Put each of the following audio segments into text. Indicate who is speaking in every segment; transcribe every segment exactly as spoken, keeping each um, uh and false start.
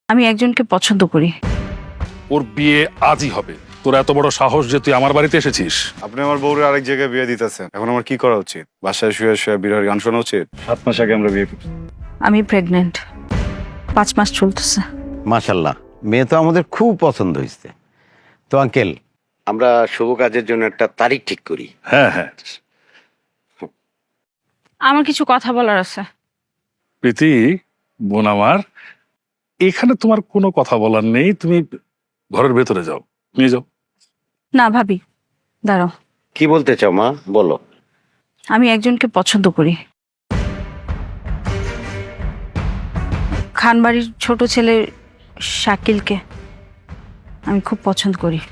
Speaker 1: আমি একজনকে পছন্দ করি।
Speaker 2: ওর বিয়ে আজই হবে। তোর এত বড় সাহস যে তুই আমার বাড়িতে এসেছিস?
Speaker 3: আপনি আমার বউরে আরেক জায়গায় বিয়ে দিতেছেন, এখন আমার কি করা উচিত? বাসায় শুয়ে শুয়ে বিরহের গান শোনা উচিত? সাত মাস আগে আমরা বিয়ে করছি।
Speaker 1: আমি প্রেগনেন্ট, পাঁচ মাস চলতেছে।
Speaker 4: মাশাল্লাহ, মেয়ে তো আমাদের খুব পছন্দ হয়েছে। তো আঙ্কেল, আমরা শুভ কাজের জন্য একটা তারিখ ঠিক করি।
Speaker 2: হ্যাঁ হ্যাঁ।
Speaker 1: আমার কিছু কথা বলার আছে।
Speaker 2: প্রীতি, বোন আমার, এখানে তোমার কোনো কথা বলার নেই। তুমি ঘরের ভেতরে যাও, নিয়ে যাও।
Speaker 1: না ভাবি, দাঁড়াও।
Speaker 4: কি বলতে চাও মা, বলো।
Speaker 1: আমি একজনকে পছন্দ করি। খানবাড়ির ছোট ছেলে শাকিলকে আমি খুব পছন্দ করি।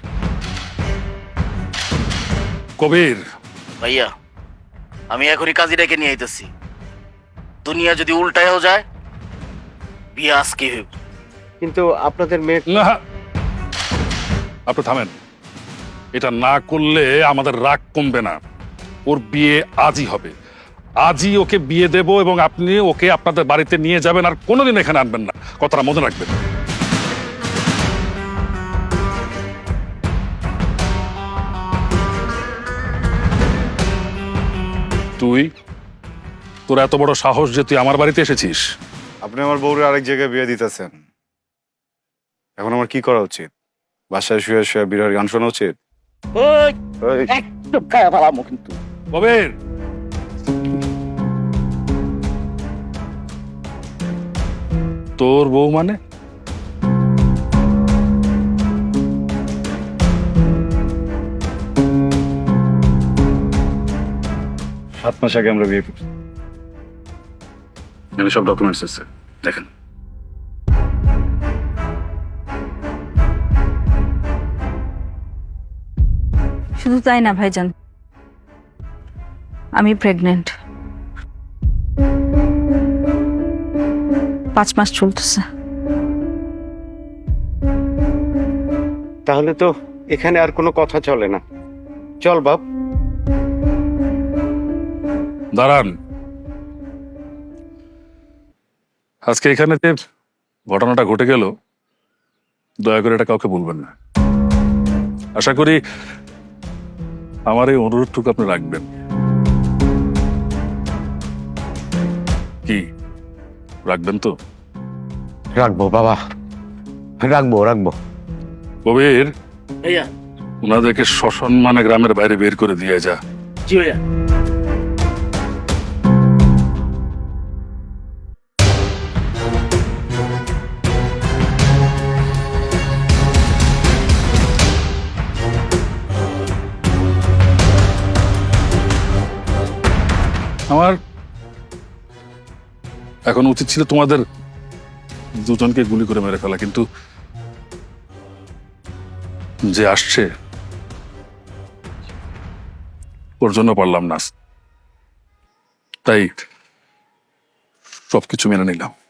Speaker 2: কবির,
Speaker 5: ভাইয়া, আমি এখনই কাজী ডেকে নিয়ে আইতেছি। দুনিয়া যদি উল্টায়ও যায়, বিয়ে আজকে হইব।
Speaker 4: কিন্তু আপনাদের মেয়ে
Speaker 2: না, আপনি থামেন। এটা না করলে আমাদের রাগ কমবে না। ওর বিয়ে আজই হবে, আজই ওকে বিয়ে দেব এবং আপনি ওকে আপনাদের বাড়িতে নিয়ে যাবেন, আর কোনোদিন এখানে আনবেন না। কথাটা মনে রাখবেন। তুই, তোর এত বড় সাহস যে তুই আমার বাড়িতে এসেছিস?
Speaker 3: আপনি আমার বউরে আরেক জায়গায় বিয়ে দিতেছেন, এখন আমার কি করা উচিত? বাসায় শুয়ে শুয়ে বিরহের গান শোনা উচিত?
Speaker 5: ওই,
Speaker 3: এই,
Speaker 5: একদম খায়া ফেলামো কিন্তু।
Speaker 2: কবির, তোর বউ মানে?
Speaker 3: সাত মাস আগে আমরা বিয়ে করছি।
Speaker 2: এখানে সব ডকুমেন্টস আছে, দেখেন।
Speaker 1: শুধু তাই না ভাইজান, আমি প্রেগনেন্ট, পাঁচ মাস চলতেছে।
Speaker 4: তাহলে তো এখানে আর কোনো কথা চলে না। চল বাপ।
Speaker 2: দাঁড়ান, আজকে এখানে যে ঘটনাটা ঘটে গেল, দয়া করে এটা কাউকে বলবেন না। আশা করি আমার এই অনুরোধটুকু আপনি রাখবেন। কি রাখবেন তো?
Speaker 4: রাখবো বাবা, রাখবো রাখবো।
Speaker 2: কবির,
Speaker 5: ভাইয়া,
Speaker 2: ওনাদেরকে সসম্মানে গ্রামের বাইরে বের করে দিয়ে যা।
Speaker 5: জি ভাইয়া।
Speaker 2: আমার এখন উচিত ছিল তোমাদের দুজনকে গুলি করে মেরে ফেলা, কিন্তু যে আসছে ওর জন্য পারলাম না, তাই সবকিছু মেনে নিলাম।